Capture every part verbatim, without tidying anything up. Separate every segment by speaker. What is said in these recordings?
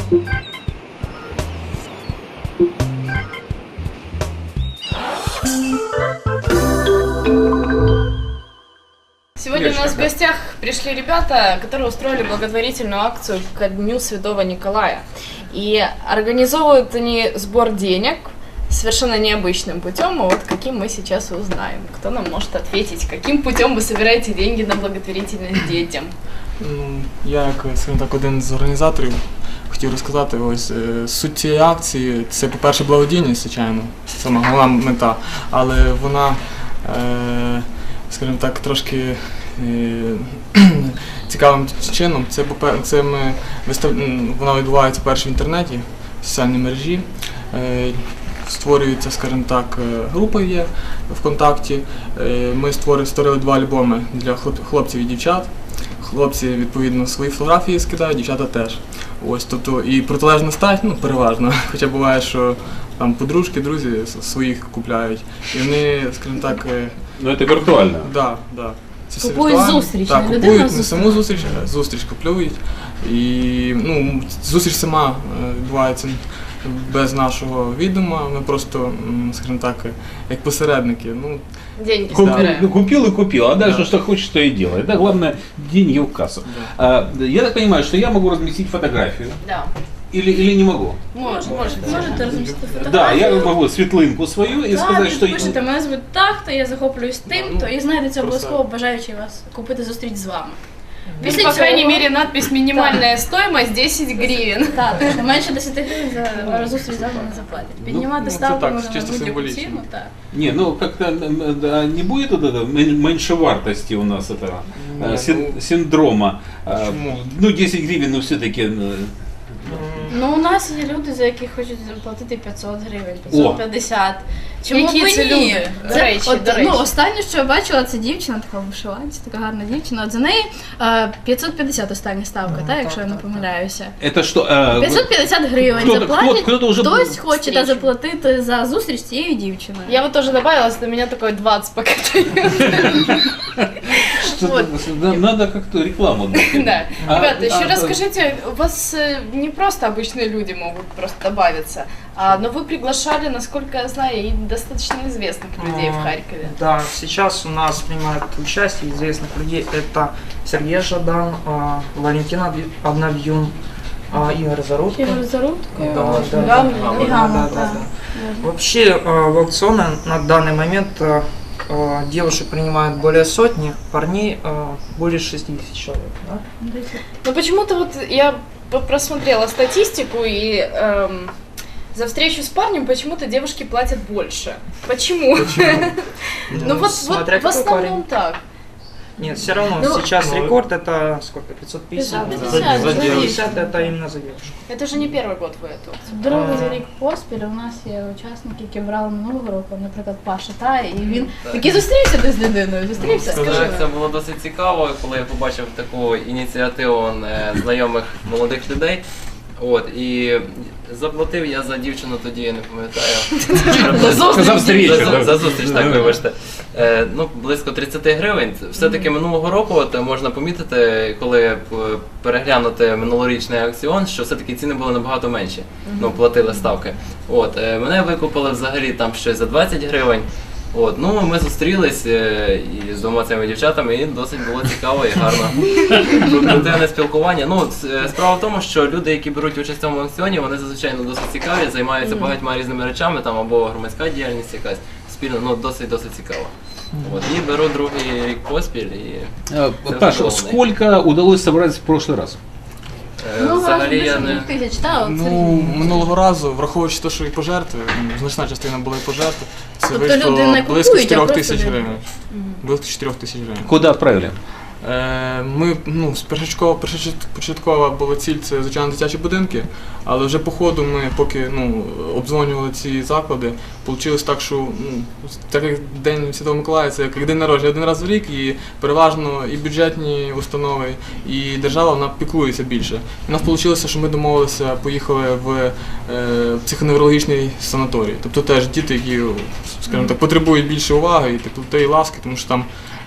Speaker 1: Сегодня у нас в гостях пришли ребята, которые устроили благотворительную акцию ко Дню Святого Николая. И организовывают они сбор денег совершенно необычным путем, и вот каким мы сейчас узнаем. Кто нам может ответить, каким путем вы собираете деньги на благотворительность детям?
Speaker 2: Ну, я, як, скажімо так, один з організаторів, хотів розказати, ось суть цієї акції – це, по-перше, благодійність, звичайно, сама головна мета, але вона, е, скажімо так, трошки е, цікавим чином. Це, це ми вистав... вона відбувається перше в інтернеті, в соціальній мережі. Е, Створюється, скажімо так, група є ВКонтакті. Ми створили, створили два альбоми для хлопців і дівчат. Хлопці, відповідно, свої фотографії скидають, дівчата теж. Ось, тобто, і протилежна стать, ну, переважно. Хоча буває, що там подружки, друзі своїх купляють. І вони, скажімо так...
Speaker 3: Ну, це віртуально.
Speaker 2: Так, так. Це
Speaker 4: купують зустріч,
Speaker 2: так,
Speaker 4: не
Speaker 2: купують не саму зустріч, а зустріч купують. І, ну, зустріч сама відбувається без нашого відома, ми просто, скажімо так, як посередники. Ну,
Speaker 1: деньги
Speaker 3: Куп,
Speaker 1: собираем.
Speaker 3: ну, купил и купил, а дальше
Speaker 2: да.
Speaker 3: что хочешь, то и делай. Да, главное, деньги в кассу.
Speaker 2: Да.
Speaker 3: А, я так понимаю, что я могу разместить фотографию.
Speaker 1: Да.
Speaker 3: Или, или не могу?
Speaker 1: Можете. Можете.
Speaker 4: Можете розмістити фотографію.
Speaker 3: Да, я могу світлинку свою і
Speaker 4: да,
Speaker 3: сказати, що...
Speaker 4: Пишете, мене звуть так-то, я захоплююсь тим-то, і знайдеться
Speaker 2: Просто-
Speaker 4: обов'язково бажаючи вас купити зустріч з вами.
Speaker 1: Или, по крайней мере, надпись «Минимальная стоимость десять гривен».
Speaker 4: Так, так, менше десяти гривень за зустріч з вами не заплатять. Піднімати
Speaker 2: ну, це
Speaker 4: ставку
Speaker 2: так,
Speaker 4: можна на
Speaker 2: чисто
Speaker 4: будь-яку
Speaker 2: символічно.
Speaker 4: ціну, так.
Speaker 3: Не, ну как-то да, не будет вот этого мен- меньшевартости у нас этого
Speaker 2: Не,
Speaker 3: э, син-
Speaker 2: ну,
Speaker 3: синдрома. А,
Speaker 2: почему?
Speaker 3: Ну, десять гривен, ну все-таки...
Speaker 4: Ну, у нас є люди, за які хочуть платити п'ятсот гривень,
Speaker 3: О.
Speaker 4: п'ятсот п'ятдесят. Чому
Speaker 1: Які
Speaker 4: б
Speaker 1: це
Speaker 4: ні?
Speaker 1: люди? До
Speaker 4: Це,
Speaker 1: речі,
Speaker 4: от,
Speaker 1: до речі.
Speaker 4: Ну, останнє, що я бачила, це дівчина, така в вишиванці, така гарна дівчина. От за неї е, п'ятсот п'ятдесят остання ставка,
Speaker 2: Ну,
Speaker 4: так,
Speaker 2: так,
Speaker 4: якщо я не
Speaker 2: так,
Speaker 4: помиляюся.
Speaker 3: Это что? э,
Speaker 4: п'ятсот п'ятдесят гривень
Speaker 3: Хто-то-
Speaker 4: заплатять,
Speaker 3: хто- хто-то вже
Speaker 4: хтось
Speaker 3: був
Speaker 4: хоче та
Speaker 1: встрічу.
Speaker 4: заплатити за зустріч з цією дівчиною.
Speaker 1: Я вот тоже добавила, что у меня такой двадцать пока.
Speaker 3: что-то- да, надо как-то рекламу дать.
Speaker 1: Да.
Speaker 3: А,
Speaker 1: Ребята, еще
Speaker 3: а,
Speaker 1: расскажите, у вас э, не просто обычные люди могут просто добавиться, а, но вы приглашали, насколько я знаю, и достаточно известных людей в
Speaker 5: А,
Speaker 1: Харькове.
Speaker 5: Да, сейчас у нас принимают участие известных людей. Это Сергей Жадан, а, Валентин Обь- Обновьюн, а, Игорь Зарубко.
Speaker 4: Ігор Зарудко,
Speaker 5: Да, да, да,
Speaker 4: Гамлін,
Speaker 5: да,
Speaker 4: і
Speaker 5: да,
Speaker 4: Гамлін,
Speaker 5: да, да,
Speaker 4: так.
Speaker 5: да. Вообще а, в аукционе на данный момент а, а, девушек принимают более сотни, парней а, более шестидесяти человек. Да?
Speaker 1: Но почему-то вот я п- просмотрела статистику и эм, за встречу с парнем почему-то девушки платят больше. Почему? Ну вот,
Speaker 5: Смотря
Speaker 1: вот в
Speaker 5: какой
Speaker 1: основном так.
Speaker 5: Нет, все равно
Speaker 4: Ну,
Speaker 5: сейчас
Speaker 2: ну,
Speaker 5: рекорд это сколько? пятьсот пятьдесят?
Speaker 4: пятьсот пятьдесят,
Speaker 2: За- за
Speaker 4: за
Speaker 2: девушку.
Speaker 5: пятьдесят это именно за девушку.
Speaker 1: Это же не первый год вы это.
Speaker 4: Другий рік поспіль у нас є учасники, які брали минулого року, наприклад, Паша, та, і він такий зустрівся ти з людиною, зустрівся?
Speaker 2: Ну,
Speaker 4: Скажи.
Speaker 6: Це було досить цікаво, коли я побачив таку ініціативу е, знайомих молодих людей. От, і заплатив я за дівчину тоді, я не пам'ятаю.
Speaker 3: За встречу,
Speaker 6: За,
Speaker 3: да.
Speaker 6: за зустріч, так, вибачте. Е, ну, близько тридцять гривень. Все-таки минулого року от, можна помітити, коли е, переглянути минулорічний аукціон, що все-таки ціни були набагато менші. Ну, платили ставки. От, е, мене викупили взагалі там щось за двадцять гривень. От, ну ми зустрілись е, і з двома цими дівчатами, і досить було цікаво і гарно. Продуктивне спілкування. Ну, с- справа в тому, що люди, які беруть участь в цьому аукціоні, вони зазвичай ну, досить цікаві, займаються багатьма різними речами, там або громадська діяльність якась спільна, ну досить досить цікаво. От, і беру другий рік поспіль і
Speaker 3: Э,
Speaker 6: Я
Speaker 3: Паш,
Speaker 6: задоволений.
Speaker 3: сколько удалось собрать в прошлый раз?
Speaker 6: е,
Speaker 4: Ну,
Speaker 6: взагалі я
Speaker 4: разом
Speaker 6: не.
Speaker 4: десять тисяч, так, от
Speaker 2: Ну,
Speaker 4: Сергій.
Speaker 2: минулого разу, враховуючи те, що і пожертви, м, значна частина була і пожертви, це
Speaker 4: Тобто
Speaker 2: вийшло
Speaker 4: люди не
Speaker 2: близько
Speaker 4: купують, а
Speaker 2: чотирьох
Speaker 4: просто
Speaker 2: тисяч
Speaker 4: люди.
Speaker 2: гривень. Близько чотирьох тисяч гривень.
Speaker 3: Куда отправили?
Speaker 2: Е, Ми, ну, з першочаткова, першочаткова була ціль, це, звичайно, дитячі будинки, але вже по ходу ми, поки ну, обдзвонювали ці заклади, вийшло так, що ну, так як День Святого Миколая, це як день народження один раз в рік, і переважно і бюджетні установи, і держава вона піклується більше. І у нас вийшло, що ми домовилися, поїхали в е, психоневрологічний санаторій. Тобто теж діти, які, скажімо так, потребують більше уваги і теплоти і ласки, тому що там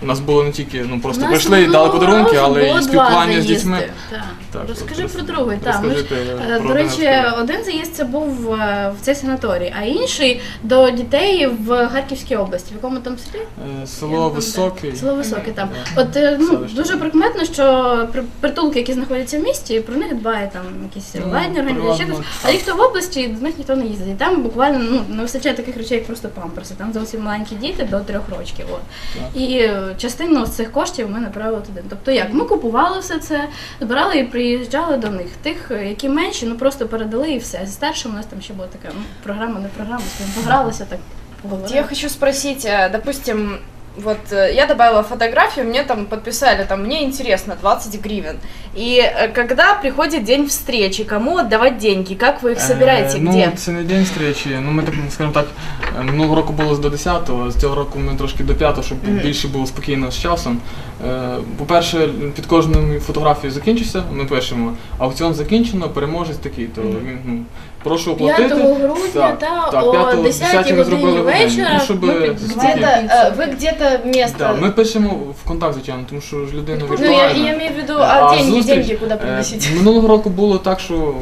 Speaker 2: у нас було не тільки ну, просто
Speaker 4: У нас
Speaker 2: прийшли і дали
Speaker 4: минулого
Speaker 2: подарунки,
Speaker 4: разу
Speaker 2: але
Speaker 4: було
Speaker 2: і
Speaker 4: два
Speaker 2: спілкування з
Speaker 4: заїзди.
Speaker 2: дітьми.
Speaker 4: Так.
Speaker 2: Так,
Speaker 4: Розкажи
Speaker 2: от,
Speaker 4: про
Speaker 2: роз-
Speaker 4: другий. Так, ми ж,
Speaker 2: розкажи ти
Speaker 4: е,
Speaker 2: про
Speaker 4: до
Speaker 2: один
Speaker 4: речі,
Speaker 2: аспект.
Speaker 4: один заїзд це був е, в цей санаторій, а інший до дітей в Харківській області. В якому там селі?
Speaker 2: Е, Село Високе.
Speaker 4: Село Високе там. От е, ну,
Speaker 2: Селище.
Speaker 4: дуже прикметно, що при- притулки, які знаходяться в місті, про них дбає там якісь
Speaker 2: Ну,
Speaker 4: владні організації,
Speaker 2: переважно
Speaker 4: а ті, хто в області, до них ніхто не їздить. І там буквально ну, не вистачає таких речей, як просто памперси. Там зовсім маленькі діти до трьох років. От.
Speaker 2: Так.
Speaker 4: І е, частину з цих коштів ми направили туди. Тобто як? Ми купували все це, збирали і приїжджали до них. Тих, е, які менші, ну просто передали і все. Зі старшим у нас там ще була така ну, програма, не програма, скажімо, погралися так. поговорили.
Speaker 1: Я хочу спросить, э, допустим, вот э, я добавила фотографию, мне там подписали, там, мне интересно, двадцать гривен. И э, когда приходит день встречи, кому отдавать деньги, как вы их собираете,
Speaker 2: Е,
Speaker 1: где?
Speaker 2: Ну, це не день зустрічі. Ну, ми так, скажімо так, е, минулого року було до десятого, з цього року ми трошки до п'ятого, щоб
Speaker 1: Мгм.
Speaker 2: більше було спокійно з часом. Е, По-перше, під кожною фотографією закінчився, ми пишемо, аукціон закінчено, переможець такий, то
Speaker 1: Мгм.
Speaker 2: він, ну, прошу оплатити.
Speaker 4: п'ятого грудня
Speaker 2: Так,
Speaker 4: та
Speaker 2: так,
Speaker 4: о
Speaker 2: п'ятого,
Speaker 4: десятій
Speaker 2: десятій ми зробили
Speaker 4: годині
Speaker 2: в день,
Speaker 4: вечора
Speaker 2: ну, щоб
Speaker 4: ми під-
Speaker 2: спокійно.
Speaker 1: Где-то, э, вы где-то место...
Speaker 2: Да, ми пишемо в контакт, звичайно, тому що ж людина
Speaker 1: Ну, я,
Speaker 2: віртуальна.
Speaker 1: я имею в виду,
Speaker 2: А
Speaker 1: а деньги,
Speaker 2: зустріч?
Speaker 1: деньги куда
Speaker 2: Е,
Speaker 1: приносить?
Speaker 2: Минулого року було так, що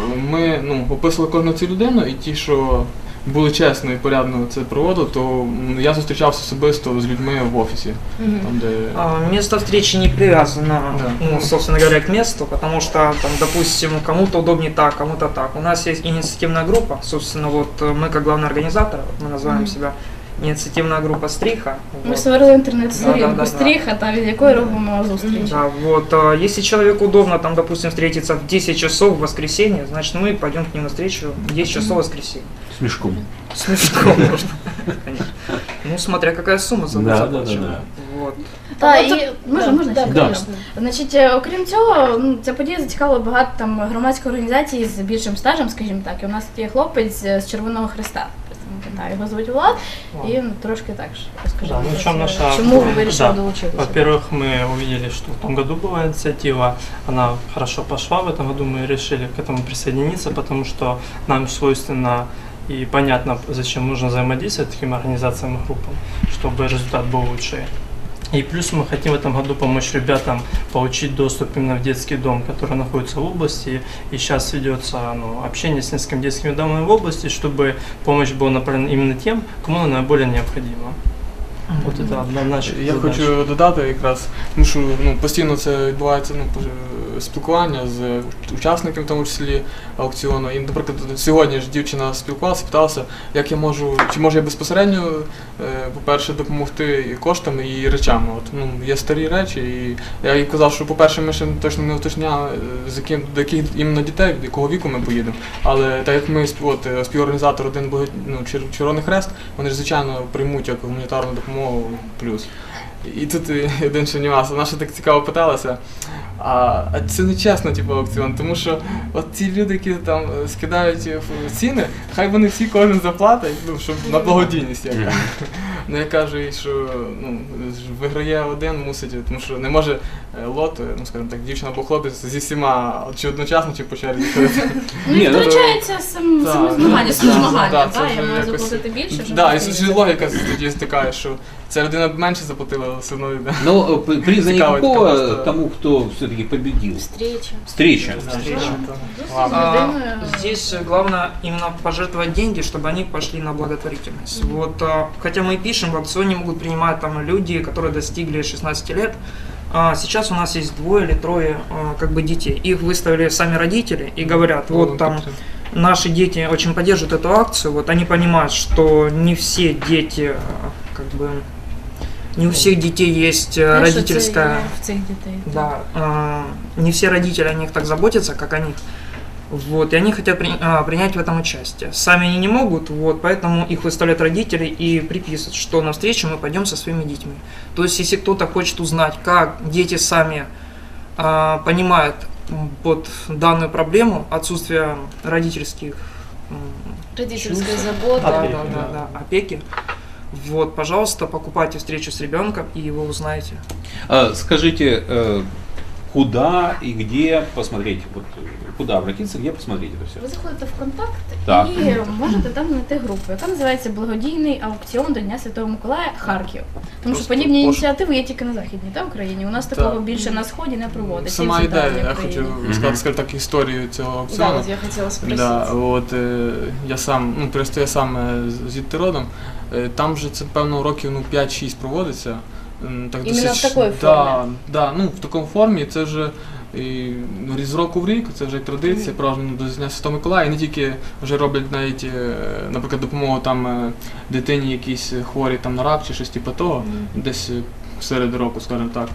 Speaker 2: ми ну, описували кожну цю людину, і ті, що були чесно і порядно це проводили, то м, я зустрічався особисто з людьми в офісі.
Speaker 1: Мгм.
Speaker 2: Там, де...
Speaker 5: А, Место встречи не привязано,
Speaker 2: Да.
Speaker 5: ну, собственно говоря, к месту, потому что, там, допустим, кому-то удобнее так, кому-то так. У нас есть инициативная группа, собственно, вот э, мы как главный организатор, мы называем
Speaker 4: Мгм.
Speaker 5: себя инициативная группа «Стриха».
Speaker 4: Ми
Speaker 5: Вот.
Speaker 4: створили
Speaker 5: Да,
Speaker 4: інтернет-сторінку
Speaker 5: да, да,
Speaker 4: стріха, та від якої робимо зустрічі.
Speaker 5: Да, вот, э, если человеку удобно, там, допустим, встретиться в десять часов в воскресенье, значит, мы пойдем к ним навстречу в десять часов в воскресенье.
Speaker 3: С мешком.
Speaker 5: Смешно, можно, конечно. Ну, смотря какая сумма за
Speaker 3: Да, да,
Speaker 5: заплачена.
Speaker 3: да,
Speaker 5: Вот.
Speaker 4: Та,
Speaker 1: Ну,
Speaker 4: і можна, можна
Speaker 1: да,
Speaker 4: ще?
Speaker 3: Да.
Speaker 1: конечно.
Speaker 4: Значить, е, окрім цього, ну, ця подія зацікавила багато там громадських організацій з більшим стажем, скажімо так. І у нас є хлопець е, з Червоного Хреста. Та, його звуть Влад, і ну, трошки так ж розкажи.
Speaker 7: Да, ну,
Speaker 4: будь
Speaker 7: в чем
Speaker 4: ласка,
Speaker 7: наша-
Speaker 4: чому ви вирішили
Speaker 7: Да.
Speaker 4: долучитися?
Speaker 7: Во-первых, мы увидели, что в том году была инициатива, она хорошо пошла, в этом году мы решили к этому присоединиться, потому что нам свойственно и понятно, зачем нужно взаимодействовать таким организациям и группам, чтобы результат был лучше. И плюс мы хотим в этом году помочь ребятам получить доступ именно в детский дом, который находится в области. И сейчас ведется ну, общение с несколькими детскими домами в області, чтобы помощь была направлена именно тем, кому она наиболее необходима. Вот это одна наша
Speaker 2: Я
Speaker 7: задач.
Speaker 2: хочу додати якраз, тому що ну, постійно це відбувається ну, пож- спілкування з учасниками, в тому числі аукціону. І, наприклад, сьогодні ж дівчина спілкувалася, питалася, як я можу, чи можу я безпосередньо, е, по-перше, допомогти і коштами, і речами. От, ну, є старі речі, і я їй казав, що, по-перше, ми ще точно не уточняли, е, з яким, до яких іменно дітей, до якого віку ми поїдемо. Але так як ми спів- от, е, співорганізатор один був ну, Чер- Червоний Хрест, вони ж, звичайно, приймуть як гуманітарну допомогу плюс. І тут е, один ще нюанс. Вона ще так цікаво питалася. А, а це не чесно, типу, аукціон, тому що от ті люди, які там е, скидають е, ф- ціни, хай вони всі кожен заплатять, ну, щоб на благодійність яка. Ну я кажу їй, що ну, ж виграє один, мусить, тому що не може е, лот, е, ну скажімо так, дівчина або хлопець зі всіма чи одночасно, чи по черзі ходити.
Speaker 4: Ну,
Speaker 3: Ні,
Speaker 4: і
Speaker 3: ну,
Speaker 4: втручається сам,
Speaker 2: так,
Speaker 4: саме змагання,
Speaker 2: ну,
Speaker 4: саме
Speaker 2: так,
Speaker 4: змагання,
Speaker 2: так, це
Speaker 4: так,
Speaker 2: вже
Speaker 4: я маю
Speaker 2: якось-
Speaker 4: заплатити більше, щоб
Speaker 2: Так, і
Speaker 4: зустрітися.
Speaker 2: ж логіка тоді стикає, що ця людина менше заплатила, але все одно йде.
Speaker 3: Но э, п- приза
Speaker 2: Цікавить
Speaker 3: никакого
Speaker 2: просто.
Speaker 3: тому, кто все-таки победил.
Speaker 1: Встреча.
Speaker 3: Встреча.
Speaker 4: Зустріч
Speaker 2: Ладно.
Speaker 4: з
Speaker 5: А,
Speaker 4: людиною.
Speaker 5: здесь главное именно пожертвовать деньги, чтобы они пошли на благотворительность. Вот, а, хотя мы и пишем, в аукционе могут принимать там люди, которые достигли шестнадцати лет. А, сейчас у нас есть двое или трое а, как бы детей. Их выставили сами родители и говорят, вот там наши дети очень поддерживают эту акцию, вот они понимают, что не все дети, а, как бы, не у всех детей есть а,
Speaker 4: Знаєш, що це
Speaker 5: родительская...
Speaker 4: є в цих дітей.
Speaker 5: Да, а, не все родители о них так заботятся, как о них. Вот, и они хотят при- а, принять в этом участие. Сами они не могут, вот, поэтому их выставляют родители и приписывают, что на встречу мы пойдем со своими детьми. То есть, если кто-то хочет узнать, как дети сами а, понимают м, вот данную проблему, отсутствие родительских м,
Speaker 1: Родительская
Speaker 5: чувств,
Speaker 1: забота.
Speaker 5: да,
Speaker 7: Опеки,
Speaker 5: да, да,
Speaker 7: да.
Speaker 5: да, опеки, вот, пожалуйста, покупайте встречу с ребенком и вы узнаете.
Speaker 3: А, скажите, э, куда и где посмотреть, вот, куда обратиться, где посмотреть это все.
Speaker 4: Ви заходите в контакт
Speaker 3: Так.
Speaker 4: і можете там знайти групу, яка називається Благодійний аукціон до Дня Святого Миколая Харків. Тому що
Speaker 2: Просто
Speaker 4: подібні
Speaker 2: пош-
Speaker 4: ініціативи є тільки на Західній та Україні. У нас такого
Speaker 2: Так.
Speaker 4: більше на Сході не проводиться.
Speaker 2: Сама
Speaker 4: і в Центральній
Speaker 2: ідея, я
Speaker 4: Україні.
Speaker 2: хочу
Speaker 3: Мгм.
Speaker 2: сказати, скажімо так, історію цього
Speaker 1: Да,
Speaker 2: аукціону.
Speaker 1: вот я хотела спросить.
Speaker 2: Да, от, е, я сам, ну, просто я сам е, з- звідти родом. Е, Там вже це, певно, років ну, п'ять-шість проводиться. М, Так,
Speaker 1: Іменно в такої
Speaker 2: да,
Speaker 1: формі?
Speaker 2: Да, ну, в такому формі. Це вже і, ну, з року в рік, це вже традиція,
Speaker 1: Мгм.
Speaker 2: праздник до Дня Святого Миколая. І не тільки вже роблять навіть, е, наприклад, допомогу там е, дитині якійсь хворій там на рак чи щось типу того,
Speaker 1: Мгм.
Speaker 2: десь е, серед року, скажімо так.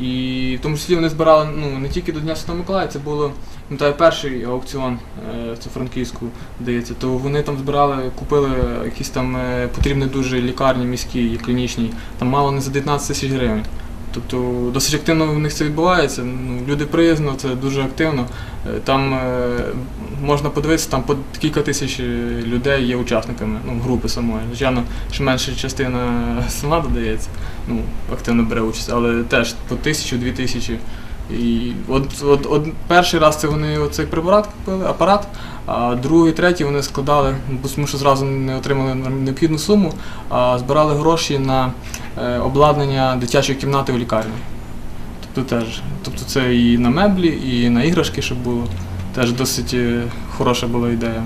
Speaker 2: І в тому числі вони збирали ну, не тільки до Дня Святого Миколая, це було пам'ятаю, перший аукціон, е, це Франківську, здається, то вони там збирали, купили якісь там е, потрібні дуже лікарні міські, клінічні, там мало не за дев'ятнадцять тисяч гривень. Тобто досить активно в них це відбувається. Ну, люди приязно, це дуже активно. Е, Там е, можна подивитися, там по кілька тисяч людей є учасниками, ну, групи самої. Звичайно, що менша частина сама додається, ну, активно бере участь, але теж по тисячу-дві тисячі. І от, от, от перший раз це вони оцей препарат купили, апарат, а другий, третій вони складали, бо тому що зразу не отримали необхідну суму, а збирали гроші на е, обладнання дитячої кімнати в лікарні. Тобто теж, тобто це і на меблі, і на іграшки, щоб було. Теж досить е, хороша була ідея.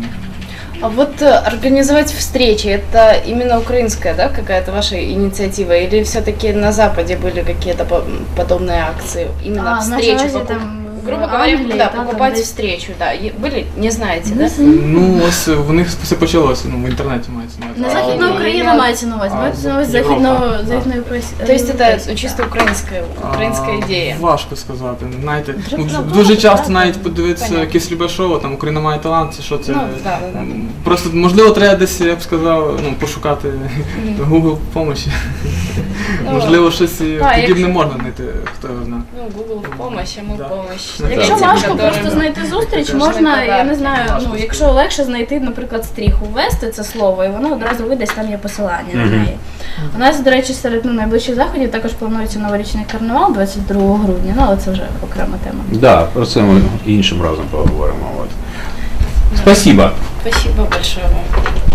Speaker 1: А вот э, организовать встречи, это именно украинская, да, какая-то ваша инициатива? Или все-таки на Западе были какие-то по- подобные акции? Именно
Speaker 4: А,
Speaker 1: встречи,
Speaker 4: на Азии,
Speaker 1: покуп-
Speaker 4: там,
Speaker 1: грубо
Speaker 4: в
Speaker 1: говоря,
Speaker 4: Англии,
Speaker 1: да,
Speaker 4: да, там
Speaker 1: покупать
Speaker 4: есть.
Speaker 1: встречу, да. И были? Не знаете,
Speaker 4: Не
Speaker 1: да?
Speaker 4: знаю.
Speaker 2: Ну, ось в них все почалося, ну, в інтернеті мається на увазі.
Speaker 4: Не
Speaker 2: А,
Speaker 4: Західна
Speaker 1: А,
Speaker 4: Україна
Speaker 1: і-
Speaker 4: мається на увазі,
Speaker 2: а,
Speaker 4: мається на увазі
Speaker 2: Європа.
Speaker 4: західно,
Speaker 2: А.
Speaker 4: західної Україні.
Speaker 1: То есть это чисто украинская, украинская
Speaker 2: А,
Speaker 1: идея?
Speaker 2: Важко сказати. Знаєте, ну,
Speaker 4: Треба
Speaker 2: дуже
Speaker 4: було,
Speaker 2: часто
Speaker 4: так,
Speaker 2: навіть
Speaker 4: так.
Speaker 2: подивитися
Speaker 1: Понятно.
Speaker 2: якесь любе шоу, там Україна має талант, це що це.
Speaker 1: Ну, да, да, да.
Speaker 2: М, Просто можливо треба десь, я б сказав, ну, пошукати Google помощі.
Speaker 1: Ну,
Speaker 2: Можливо, щось
Speaker 1: так,
Speaker 2: подібне
Speaker 1: якщо-
Speaker 2: можна знайти, хто його знає.
Speaker 1: Ну, Google в помощь, а мы
Speaker 2: Да.
Speaker 1: в помощь.
Speaker 2: Ну,
Speaker 4: Якщо
Speaker 2: Так.
Speaker 4: важко
Speaker 1: Которым-
Speaker 4: просто знайти зустріч,
Speaker 2: Таке.
Speaker 4: можна, я не знаю,
Speaker 2: Важко
Speaker 4: ну якщо легше знайти, наприклад, стріху, ввести це слово, і воно одразу вийде, там є посилання на
Speaker 3: Мгм.
Speaker 4: неї. У нас, до речі, серед ну, найближчих заходів також планується новорічний карнавал двадцять другого грудня, ну але це вже окрема тема.
Speaker 3: Да, про це ми іншим разом поговоримо. От. Спасибо.
Speaker 1: Спасибо большое вам.